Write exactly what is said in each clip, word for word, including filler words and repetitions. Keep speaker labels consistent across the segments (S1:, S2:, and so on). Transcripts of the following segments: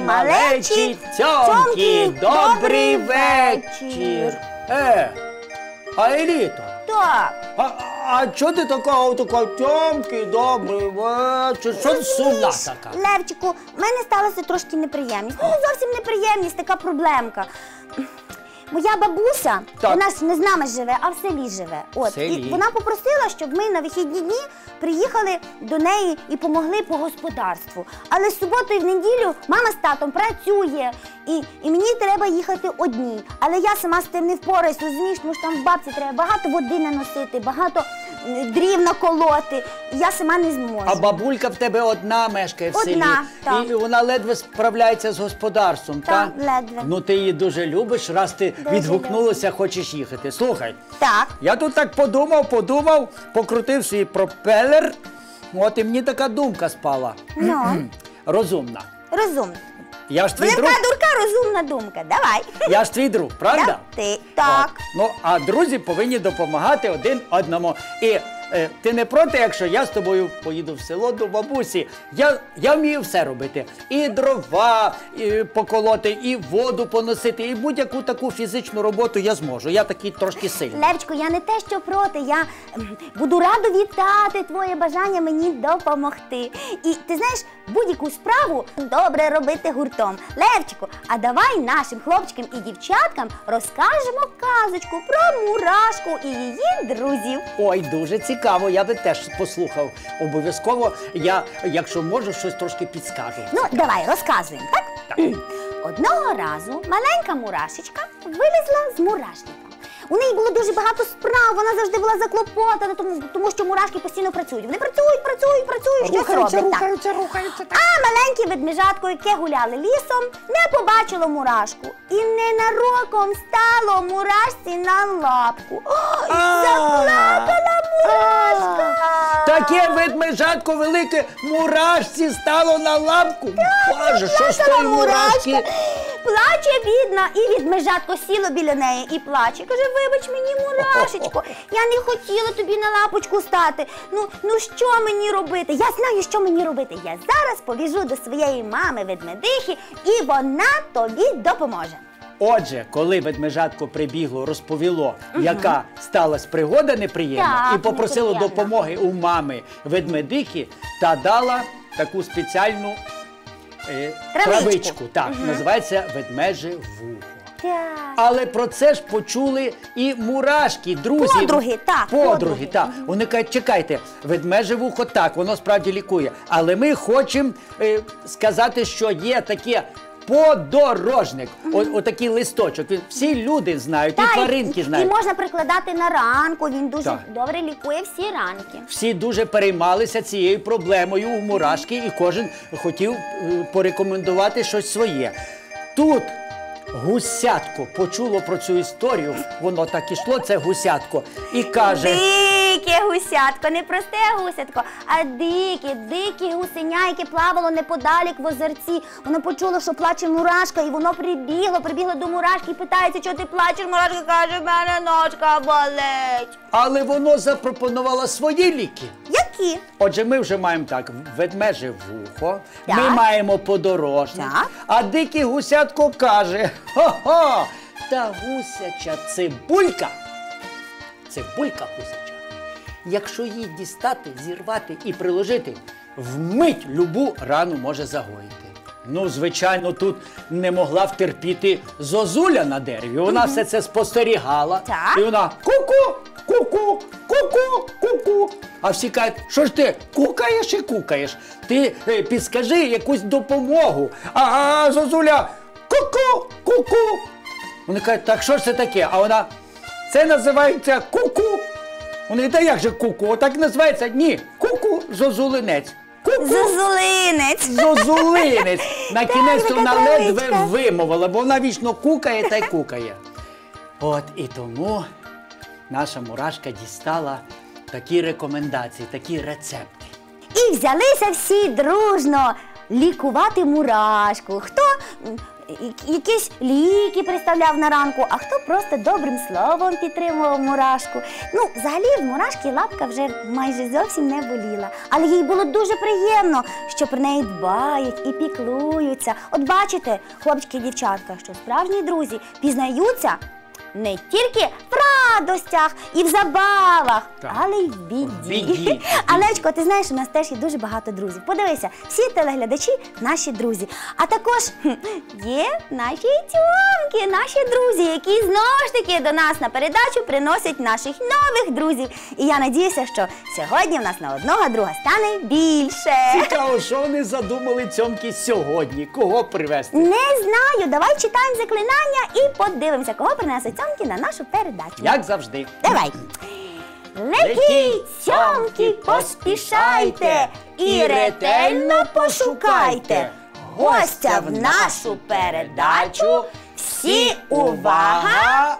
S1: малечі, цьомкі, добрий вечір. Е, а Еліто?
S2: Так.
S1: А, а чого ти така, така, цьомкі, добрий вечір? Що ти сумна така?
S2: Левчику, в мене сталася трошки неприємність. Ну, не зовсім неприємність, така проблемка. Моя бабуся,
S1: Так.
S2: вона ж не з нами живе, а в селі живе. От.
S1: Селі.
S2: І вона попросила, щоб ми на вихідні дні приїхали до неї і помогли по господарству. Але з суботу і в неділю мама з татом працює, і, і мені треба їхати одній. Але я сама з тим не впораюсь, розумієш, тому що там в бабці треба багато води наносити, багато м, дрів наколоти. І я сама не зможу.
S1: А бабулька в тебе одна мешкає в селі.
S2: Одна, так.
S1: І вона ледве справляється з господарством,
S2: Так,
S1: так?
S2: ледве.
S1: Ну ти її дуже любиш, раз ти
S2: Дуже
S1: відгукнулася, хочеш їхати. Слухай,
S2: Так.
S1: я тут так подумав, подумав, покрутив свій пропелер, от і мені така думка спала.
S2: Ну,
S1: Розумна.
S2: розумно.
S1: Я ж твій друг.
S2: Велика дурка, розумна думка. Давай.
S1: Я ж твій друг, правда?
S2: Так, ти. Так.
S1: От. Ну, а друзі повинні допомагати один одному. І е, ти не проти, якщо я з тобою поїду в село до бабусі? Я, я вмію все робити. І дрова і поколоти, і воду поносити, і будь-яку таку фізичну роботу я зможу. Я такий трошки сильний.
S2: Левчику, я не те, що проти, я ем, буду рада вітати твоє бажання мені допомогти. І ти знаєш, будь-яку справу добре робити гуртом. Левчику, а давай нашим хлопчикам і дівчаткам розкажемо казочку про мурашку і її друзів.
S1: Ой, дуже цікаво, я би теж послухав. Обов'язково я, якщо можу, щось трошки підскажу.
S2: Ну, давай, розказуємо, так?
S1: Так.
S2: Одного разу маленька мурашечка вилізла з мурашника. У неї було дуже багато справ, вона завжди була заклопотана, тому, тому що мурашки постійно працюють. Вони працюють, працюють, працюють, щось роблять. Так.
S1: рухаються, рухаються. Так.
S2: А маленьке ведмежатко, яке гуляли лісом, не побачило мурашку. І ненароком стало мурашці на лапку. Ой,
S1: А.
S2: заплакала мурашка.
S1: Таке ведмежатко велике мурашці стало на лапку. Боже, що з
S2: Плакала
S1: тої мурашки?
S2: Плаче бідна, і ведмежатко сіло біля неї і плаче. Каже, вибач мені, мурашечко, я не хотіла тобі на лапочку стати. Ну, ну що мені робити? Я знаю, що мені робити. Я зараз побіжу до своєї мами ведмедихи, і вона тобі допоможе.
S1: Отже, коли ведмежатко прибігло, розповіло, яка сталася пригода неприємна,
S2: Так,
S1: і попросило
S2: неприємна.
S1: допомоги у мами ведмедихи, та дала таку спеціальну е,
S2: Травичку.
S1: травичку. Так, називається ведмеже вухо.
S2: Так.
S1: Але про це ж почули і мурашки, друзі.
S2: Подруги, так,
S1: Подруги,
S2: подруги.
S1: так. Вони кажуть, чекайте, ведмеже вухо так, воно справді лікує. Але ми хочемо е, сказати, що є таке подорожник. О, отакий листочок. Він- Всі люди знають,
S2: Та,
S1: і
S2: і-
S1: тваринки
S2: і,
S1: знають.
S2: і можна прикладати на ранку, він дуже
S1: Так.
S2: добре лікує всі ранки.
S1: Всі дуже переймалися цією проблемою у мурашки, і кожен хотів е, порекомендувати щось своє. Тут гусятко почуло про цю історію, воно так ішло, це гусятко, і каже...
S2: Дике гусятко, не просте гусятко, а дике, дике гусеня, яке плавало неподалік в озерці. Воно почуло, що плаче мурашка, і воно прибігло, прибігло до мурашки і питається, чого ти плачеш. Мурашка каже, в мене ножка болить.
S1: Але воно запропонувало свої ліки.
S2: Які?
S1: Отже, ми вже маємо так, ведмеже вухо,
S2: Так.
S1: ми маємо подорожник,
S2: Так.
S1: а дике гусятко каже, хо-хо, та гусяча цибулька, цибулька гусяча, якщо її дістати, зірвати і приложити, вмить любу рану може загоїти. Ну, звичайно, тут не могла втерпіти зозуля на дереві, вона все це спостерігала,
S2: Так.
S1: і вона ку-ку, ку-ку, ку-ку, ку-ку. А всі кажуть, що ж ти кукаєш і кукаєш? Ти е, підскажи якусь допомогу. А, а зозуля ку-ку, ку-ку. Вони кажуть, так що ж це таке? А вона, це називається ку-ку. Вони, та як же ку-ку? Отак називається? Ні, ку-ку, зозулинець. Ку-ку.
S2: Зозулинець.
S1: Зозулинець. На кінець
S2: така
S1: вона
S2: травичка.
S1: ледве вимовила, бо вона вічно кукає та й кукає. От і тому наша мурашка дістала такі рекомендації, такі рецепти.
S2: І взялися всі дружно лікувати мурашку. Хто м, я- якісь ліки приставляв на ранку, а хто просто добрим словом підтримував мурашку. Ну, взагалі в мурашки лапка вже майже зовсім не боліла. Але їй було дуже приємно, що про неї дбають і піклуються. От бачите, хлопчики і дівчатка, що справжні друзі пізнаються не тільки в радостях і в забавах,
S1: Так.
S2: але й в біді.
S1: В біді, в біді.
S2: Алечко, ти знаєш, у нас теж є дуже багато друзів. Подивися, всі телеглядачі наші друзі. А також хм, є наші тьомки, наші друзі, які знову ж таки до нас на передачу приносять наших нових друзів. І я надіюся, що сьогодні в нас на одного друга стане більше.
S1: Цікаво, що вони задумали цьомки сьогодні? Кого привезти?
S2: Не знаю, давай читаємо заклинання і подивимося, кого принесуть цьомки на нашу передачу.
S1: Як завжди.
S2: Давай. Летіть, цьомки, поспішайте і ретельно пошукайте гостя в нашу передачу. Всі увага!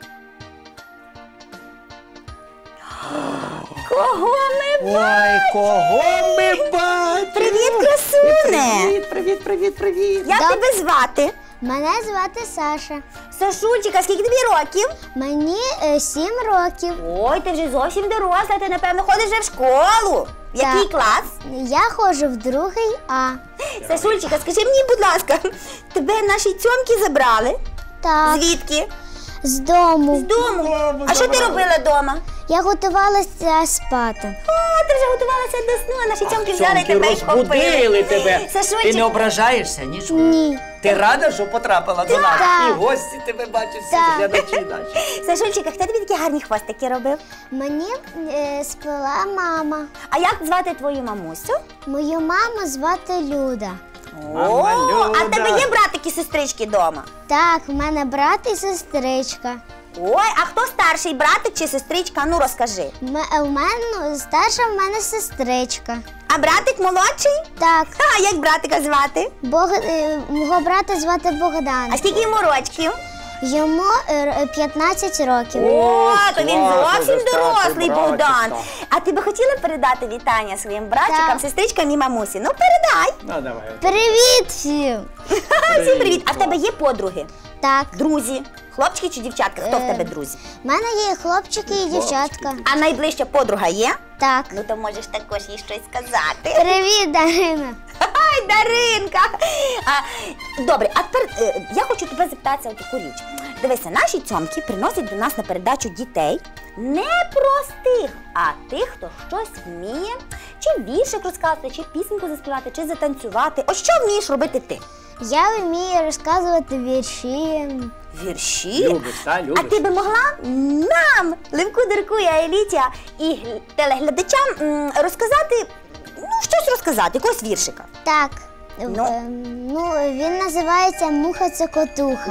S2: Кого ми бачимо?
S1: Ой, кого ми бачимо?
S2: Привіт, красуне!
S1: Привіт, привіт, привіт, привіт.
S2: Як тебе звати?
S3: Мене звати Саша.
S2: Сашульчика, скільки тобі років?
S3: Мені е, сім років.
S2: Ой, ти вже зовсім доросла, ти, напевно, ходиш вже в школу. В який
S3: Так.
S2: клас?
S3: Я ходжу в другий А.
S2: Сашульчика, скажи мені, будь ласка, тебе наші цьомки забрали?
S3: Так,
S2: Звідки?
S3: з дому.
S2: З дому.
S1: Дому
S2: А що ти
S1: забрали.
S2: робила вдома?
S3: Я готувалася спати.
S2: О, ти вже готувалася до сну, а наші цьомки взяли
S1: Цьомки
S2: тебе і
S1: розбудили
S2: попили.
S1: тебе.
S2: Сашульчик,
S1: Ти не ображаєшся, нічого?
S3: Ні.
S1: Ти рада, що потрапила до нас?
S3: Так.
S1: І гості тебе бачать, всі
S3: Так.
S1: глядачі наші.
S2: Сашульчика, хто тобі такі гарні хвостики робив?
S3: Мені е, сплела мама.
S2: А як звати твою мамусю?
S3: Мою маму звати Люда.
S1: Мама
S2: О, а в
S1: Люда.
S2: тебе є братики, сестрички вдома?
S3: Так, в мене брат і сестричка.
S2: Ой, а хто старший, братик чи сестричка? Ну розкажи.
S3: М- е, в мене старша в мене сестричка.
S2: А братик молодший?
S3: Так,
S2: А як братика звати?
S3: Бог, е, мого брата звати Богдан.
S2: А скільки йому рочків?
S3: Йому е, п'ятнадцять років.
S2: О, то він
S1: класно,
S2: зовсім
S1: вже старший
S2: дорослий
S1: братик,
S2: Богдан.
S1: так.
S2: А ти би хотіла передати вітання своїм братчикам,
S3: Так.
S2: сестричкам і мамусі? Ну, передай.
S1: Ну, давай.
S3: Привіт всім!
S2: Всім привіт. А в тебе є подруги?
S3: Так,
S2: Друзі? Хлопчики чи дівчатка? Хто в
S3: Е.
S2: тебе друзі?
S3: в мене є хлопчики і дівчатка.
S2: А найближча подруга є?
S3: Так.
S2: Ну, то можеш також їй щось сказати.
S3: Привіт, Дарина.
S2: Ай, Даринка! А, добре, а тепер е, я хочу тебе запитатися о таку річ. Дивися, наші цьомки приносять до нас на передачу дітей не простих, а тих, хто щось вміє, чи віршик розказати, чи пісеньку заспівати, чи затанцювати. Ось що вмієш робити ти?
S3: Я вмію розказувати вірші.
S2: Вірші?
S1: Любиш, та,
S2: А
S1: любиш.
S2: ти би могла нам, Левку, Дирку і Аеліті і гл- телеглядачам м, розказати, ну, щось розказати, якогось віршика?
S3: Так.
S2: Ну?
S3: е, ну, він називається Муха Цокотуха.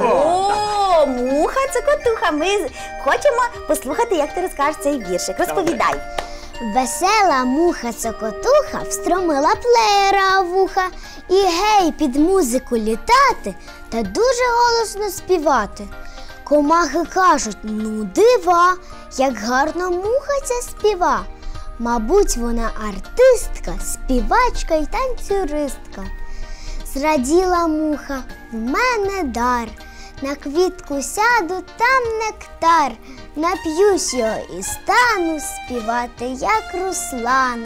S2: О, муха цокотуха. Ми з- хочемо послухати, як ти розкажеш цей віршик. Розповідай.
S3: Весела муха Цокотуха встромила плеєра в вуха і гей під музику літати та дуже голосно співати. Комахи кажуть, ну дива, як гарно муха ця співа. Мабуть, вона артистка, співачка й танцюристка. Зраділа муха, в мене дар. На квітку сяду, там нектар. Нап'юсь його і стану співати, як Руслана.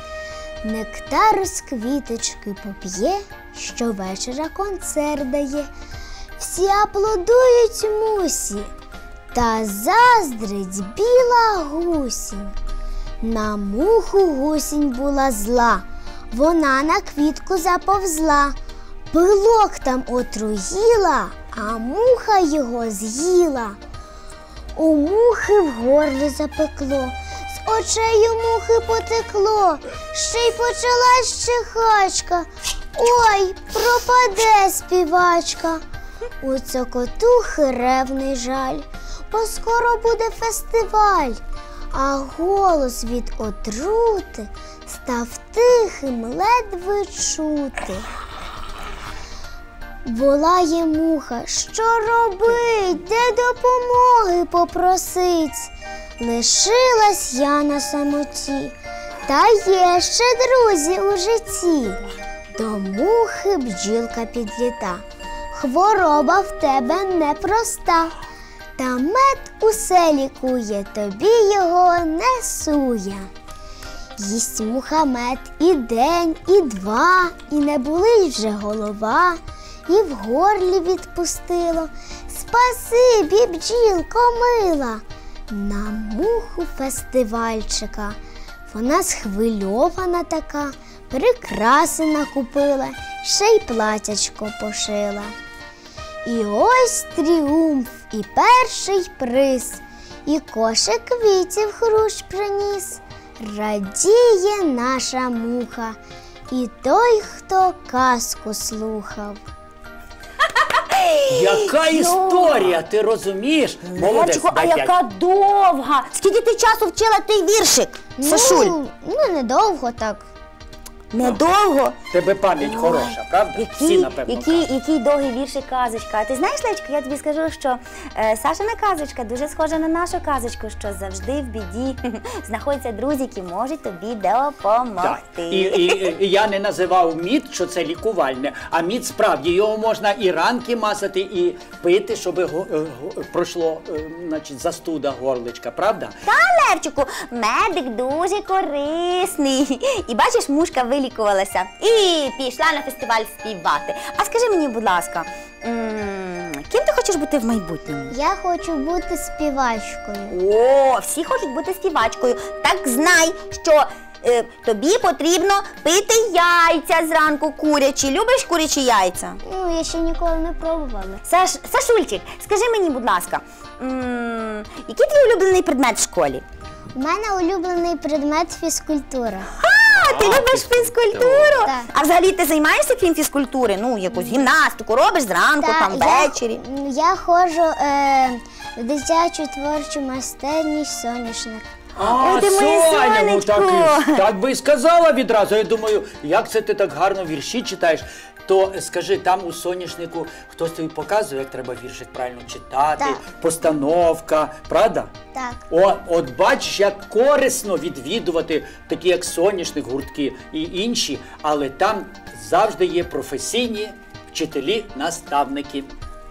S3: Нектару з квіточки поп'є, щовечора концерт дає. Всі аплодують мусі, та заздрить біла гусінь. На муху гусінь була зла, вона на квітку заповзла. Пилок там отруїла, а муха його з'їла. У мухи в горлі запекло, з очей у мухи потекло, ще й почалась чихачка. Ой, пропаде співачка. У цокотухи ревний жаль, бо скоро буде фестиваль, а голос від отрути став тихим, ледве чути. Волає муха, що робить, де допомоги попросить. Лишилась я на самоті, та є ще друзі у житті. До мухи бджілка підліта. хвороба в тебе непроста. Та мед усе лікує, тобі його не сує. Їсть муха мед і день, і два, і не болить вже голова, і в горлі відпустило. Спасибі, бджілко мила, на муху фестивальчика. Вона схвильована така, прикраси накупила, ще й платячко пошила. І ось тріумф, і перший приз, і кошик квітів хрущ приніс. Радіє наша муха, і той, хто казку слухав.
S1: Яка історія, ти розумієш? Молодець,
S2: Левчику, а
S1: дай п'ять.
S2: яка довга! Скільки ти часу вчила той віршик, Сашуль?
S3: Ну, ну недовго так.
S2: Недовго.
S1: Тебе пам'ять хороша, правда? Всі,
S2: Який,
S1: напевно,
S2: який,
S1: кажуть.
S2: який довгий віршик казочка. А ти знаєш, Левчику, я тобі скажу, що е, Сашина казочка дуже схожа на нашу казочку, що завжди в біді знаходяться друзі, які можуть тобі допомогти.
S1: Так. І, і, і я не називав мід, що це лікувальне, а мід справді, його можна і ранки масати, і пити, щоб го- е, го- пройшло е, значить, застуда горличка, правда?
S2: Та, Левчику, медик дуже корисний. І бачиш, мушка вилікувалася і пішла на фестиваль співати. А скажи мені, будь ласка, м, ким ти хочеш бути в майбутньому?
S3: Я хочу бути співачкою.
S2: О, всі хочуть бути співачкою. Так знай, що е, тобі потрібно пити яйця зранку курячі. Любиш курячі яйця?
S3: Ну, я ще ніколи не пробувала.
S2: Саш, Сашульчик, скажи мені, будь ласка, м, який твій улюблений предмет в школі?
S3: У мене улюблений предмет фізкультура.
S2: А, ти
S1: А,
S2: любиш
S1: фізкультуру.
S2: фізкультуру?
S3: Так.
S2: А взагалі ти займаєшся крім фізкультури? Ну, якусь гімнастику робиш зранку, там, ввечері?
S3: Я, я ходжу е, в дитячу творчу майстерність «Соняшник».
S1: А,
S2: Ой, ти моє
S1: Соня, ну так,
S2: сонечко.
S1: і- так би і сказала відразу. Я думаю, як це ти так гарно вірші читаєш? То скажи, там у соняшнику хтось тобі показує, як треба віршик правильно читати,
S3: Так.
S1: постановка, правда?
S3: Так.
S1: О, от бачиш, як корисно відвідувати такі, як соняшник, гуртки і інші, але там завжди є професійні вчителі, наставники.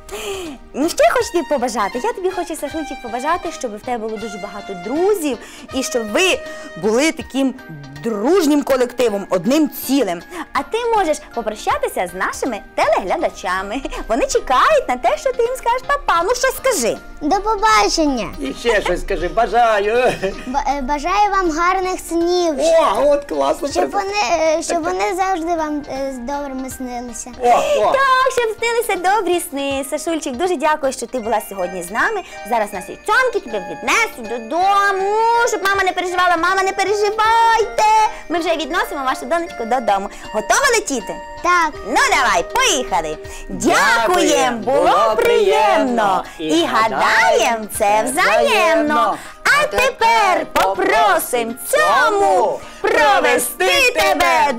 S2: Ну, що я хочу тобі побажати? Я тобі хочу, Сашульчик, побажати, щоб в тебе було дуже багато друзів і щоб ви були таким дружнім колективом, одним цілим. А ти можеш попрощатися з нашими телеглядачами. Вони чекають на те, що ти їм скажеш, папа, ну щось скажи.
S3: До побачення!
S1: І ще щось скажи, бажаю.
S3: Б- е, бажаю вам гарних снів,
S1: О, от класно.
S3: щоб вони, е, щоб вони завжди вам е, з добрими снилися.
S1: О, о.
S2: Так, щоб снилися добрі сни. Сашульчик, дуже дякую, що ти була сьогодні з нами. Зараз нас і цьомки тебе віднесуть додому, щоб мама не переживала. Мама, не переживайте. Ми вже відносимо вашу донечку додому. Готова летіти?
S3: Так.
S2: Ну давай, поїхали.
S1: Дякуєм,
S2: Дякуєм, було приємно. І гадаєм, це взаємно. А тепер попросим цьому провести тебе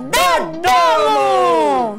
S2: додому.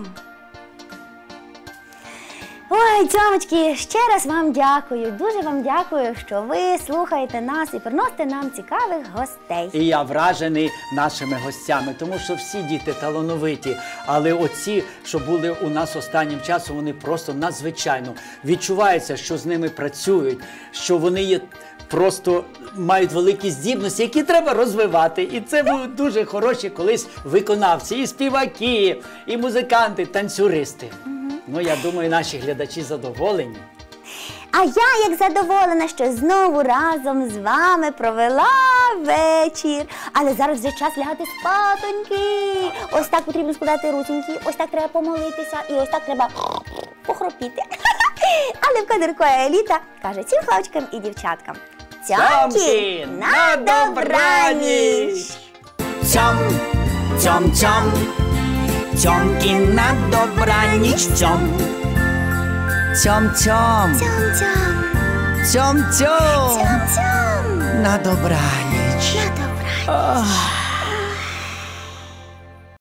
S2: Ой, цьомочки, ще раз вам дякую. Дуже вам дякую, що ви слухаєте нас і приносите нам цікавих гостей.
S1: І я вражений нашими гостями, тому що всі діти талановиті, але оці, що були у нас останнім часом, вони просто надзвичайно відчувається, що з ними працюють, що вони є просто мають великі здібності, які треба розвивати. І це були дуже хороші колись виконавці, і співаки, і музиканти, танцюристи. Ну, я думаю, наші глядачі задоволені.
S2: А я як задоволена, що знову разом з вами провела вечір. Але зараз вже час лягати спатоньки. Ось так потрібно складати рученьки, ось так треба помолитися і ось так треба похропіти. Але в Кадирко еліта каже всім хлопчикам і дівчаткам: цьомки, на добраніч!
S4: Цьом, цьом, цьом, цьомки на добраніч, цьом. Цьом, цьом,
S3: Цьом-цьом,
S4: цьом, цьом,
S3: цьом-цьом.
S4: на добраніч.
S3: На добраніч.
S4: Ах.